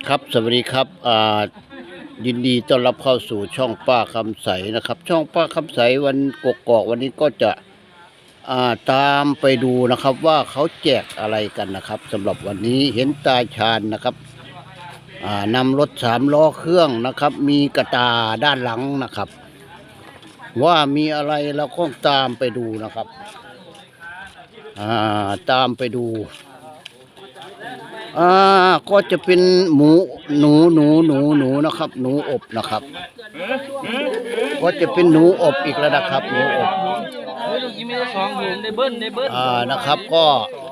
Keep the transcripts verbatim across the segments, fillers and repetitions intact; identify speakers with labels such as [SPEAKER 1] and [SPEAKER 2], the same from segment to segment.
[SPEAKER 1] ครับสวัสดีครับอ่ายินดีต้อนรับเข้าสู่ช่องป้าคำใสนะครับช่องป้าคำใสวันกกอกวันนี้ก็จะอ่าตามไปดูนะครับว่าเขาแจกอะไรกันนะครับสำหรับวันนี้เห็นตาชาญนะครับอ่านำรถสามล้อเครื่องนะครับมีกระตาด้านหลังนะครับว่ามีอะไรเราก็ตามไปดูนะครับอ่าตามไปดูอ่าก็จะเป็นหมูหนูหนูหนูหนูนะครับหนูอบนะครับก็จะเป็นหนูอบอีกแล้วนะครับหนูอบอ่านะครับก็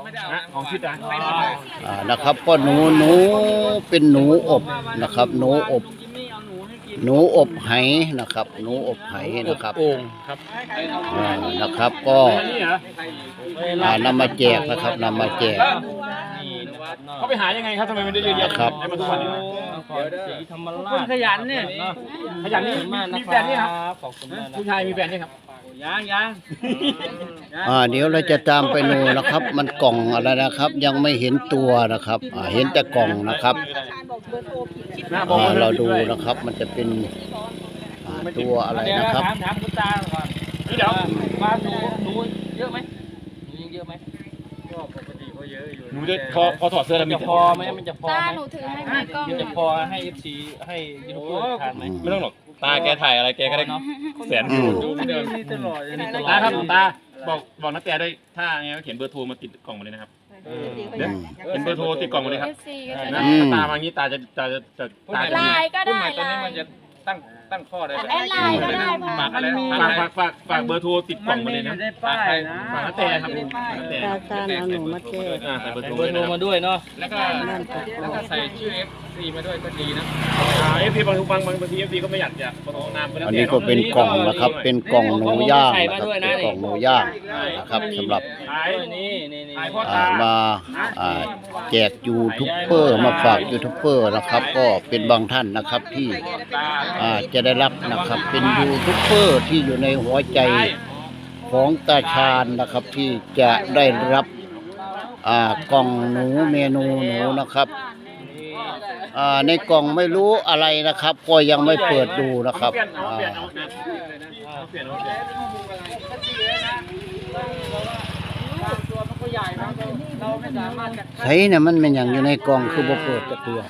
[SPEAKER 1] อ่านะครับก็หนูหนูเป็นหนูอบนะครับหนูอบหนูอบไหนะครับหนูอบไหนะครับอ่านะครับก็อ่านำมาแจกนะครับนำมาแจก
[SPEAKER 2] เขาไปหายังไงครับทำไมมันได้เยอะแยะ
[SPEAKER 1] ครับ
[SPEAKER 2] ได้มาทุกวันนี้
[SPEAKER 3] คนขยันเนี่ย
[SPEAKER 2] ขยันนี่มีแฟนนี่ครับผู้ชายมีแฟนนี่ครับ
[SPEAKER 3] ยังยัง
[SPEAKER 1] อ่าเดี๋ยวเราจะตามไปดูนะครับ มันกล่องอะไรนะครับ ยังไม่เห็นตัวนะครับอ่าเห็นแต่กล่องนะครับอ่าเราดูนะครับมันจะเป็นตัวอะไรนะครับ
[SPEAKER 3] ถามถามคุณตาก่อนเดี๋ยวบ้านหนูหนูเยอะไหมหนูยังเยอะไหมก็ปกติเขาเยอะอยู่
[SPEAKER 2] หนูจะพอพอถอดเสื้อแล้วมี
[SPEAKER 3] จะพอไหมมันจะพอไหม
[SPEAKER 4] ตาหนูถือให้ไหมกล้อง
[SPEAKER 3] มันจะพอให้เอฟซีให้ยูทูบเบอร์ทานไหม
[SPEAKER 2] ไม่ต้องหรอกตาแกถ่ายอะไรแกก็ได้แสนวิวเดิม
[SPEAKER 3] ตลอดตลอด
[SPEAKER 2] ตาครับตาบอกบอกนักแต่ด้วยถ้าไงก็เขียนเบอร์โทรมาติดกล่องมาเลยนะครับเขียนเบอร์โทรติดกล่องมาเลยครับนะตามางี้ตาจะจะจะตาจะ
[SPEAKER 4] ไลน์ก็ได้ไลน์
[SPEAKER 3] ตั้งตั้งข้อได้
[SPEAKER 4] แอดไลน์ก็ได้พ่อ
[SPEAKER 2] ฝากอะไรฝากฝากฝากฝากเบอร์โทรติดกล่องมาเลยนะฝากฝากนักแต่ครับนักแต่
[SPEAKER 5] ตาตาเอาหนูมาแจก
[SPEAKER 2] อ่าใส่เบอร์โทร
[SPEAKER 3] เบอร์โทรมาด้วยเนาะ
[SPEAKER 2] แล้วก็แล้วก็ใส่ชื่อ เอฟ ซี มาด้วยก็ดีนะเอฟซีบางบางบางบางที เอฟ ซี ก็ไม่อยากจะประกอบนาม
[SPEAKER 1] อันนี้ก็เป็นกล่องนะครับเป็นกล่องหนูย่างนะครับเป็นกล่องหนูย่างนะครับสำหรับ
[SPEAKER 2] ขาย
[SPEAKER 3] นี่นี่นี่
[SPEAKER 2] ขายพ่อ
[SPEAKER 1] อ่า
[SPEAKER 2] ตา
[SPEAKER 1] มาอ่าแจกยูทูบเบอร์มาฝากยูทูบเบอร์นะครับ ก็เป็นบางท่านนะครับที่อ่าจะได้รับนะครับเป็นยูทูบเบอร์ที่อยู่ในหัวใจของตาชาญนะครับที่จะได้รับอ่ากล่องหนูเมนูหนูนะครับอ่าในกล่องไม่รู้อะไรนะครับ ก็ยังไม่เปิดดูนะครับอ่าใช่เนี่ยมันเป็นอย่างอยู่ในกล่องคือบ่เปิดจะเตือ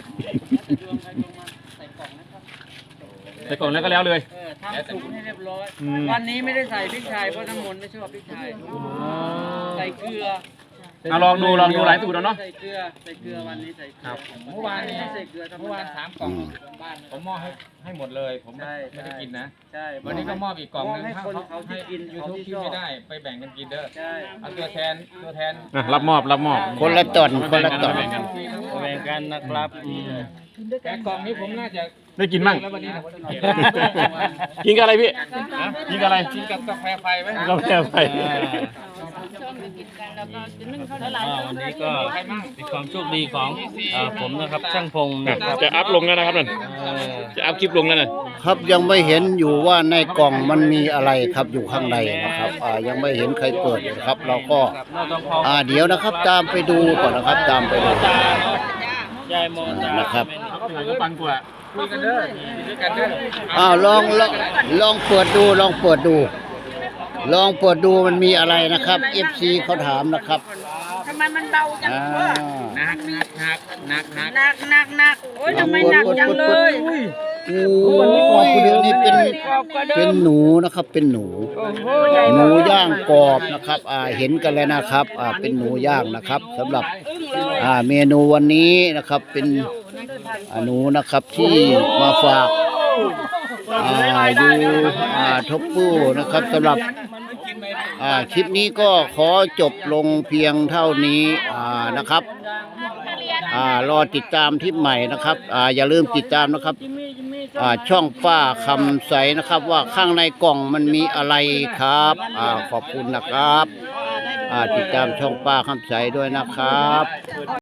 [SPEAKER 2] ใส่กล่องแล้วก็แล้วเลย
[SPEAKER 3] ทำสุกให้เรียบร้อยวันนี้ไม่ได้ใส่พริกไทยเพราะน้ำมนต์ไม่ชอบพริกไทยใส่เกลือ
[SPEAKER 2] เอาลองดูลองดูหลายสูตรแล้วเนาะ
[SPEAKER 3] ใส่เกลือใส่เกลือวันนี้ใส่เกลือเมื่อวานนี้ใส่เกลือเมื่อวานสามกล่องบ้านผมมอบให้ให้หมดเลยผมไม่ได้กินนะใช่วันนี้ก็มอบอีกกล่องนึงให้คนเขาที่กินยูทูบกินไม่ได้ไปแบ่งกันกินเด้อใช่เอาตัวแทนตัวแทน
[SPEAKER 2] รับมอบรับมอบ
[SPEAKER 1] คนละตอนคนละตอน
[SPEAKER 3] แบ่งกันนะครับแต่กล่องนี้ผมน่าจะ
[SPEAKER 2] ได้กินมั่งกินกับอะไรพี่กินกับอะไร
[SPEAKER 3] กินกับกาแฟไฟไหม
[SPEAKER 2] กาแฟไฟ
[SPEAKER 3] วันนี้ก็เป็นความโชคดีของผมนะครับช่างพงนะครับ
[SPEAKER 2] จะอัพลงแล้วนะครับนั่นจะอัพคลิปลงแล้วนะครับ
[SPEAKER 1] ยังไม่เห็นอยู่ว่าในกล่องมันมีอะไรครับอยู่ข้างในนะครับอ่ายังไม่เห็นใครเปิดครับ เราก็อ่าเดี๋ยวนะครับตามไปดูก่อนนะครับตามไปดูนะครับ
[SPEAKER 2] ปังกว่าคุยกันเด้อด้วยกันเด้อ
[SPEAKER 1] อ้าวลองลองลองเปิดดูลองเปิดดู ลองเปิดดูมันมีอะไรนะครับ เอฟ ซี เขาถามนะครับ
[SPEAKER 4] ทำไมมันเบาจังเพื่อ
[SPEAKER 3] หนักหนักหนักหนักหนัก
[SPEAKER 4] หนักหนักหนักโอ้ยทำไมหนักจังเลย
[SPEAKER 1] โอ้ยนี่เป็นเป็นหนูนะครับเป็นหนูหนูย่างกรอบนะครับอ่าเห็นกันแล้วนะครับอ่าเป็นหนูย่างนะครับสำหรับอ่าเมนูวันนี้นะครับเป็นหนูนะครับที่มาฝากอ่าดูอ่าทบปูนะครับสำหรับอ่าคลิปนี้ก็ขอจบลงเพียงเท่านี้อ่านะครับอ่ารอติดตามคลิปใหม่นะครับอ่าอย่าลืมติดตามนะครับอ่าช่องป้าคำใสนะครับว่าข้างในกล่องมันมีอะไรครับอ่าขอบคุณนะครับอ่าติดตามช่องป้าคำใสด้วยนะครับ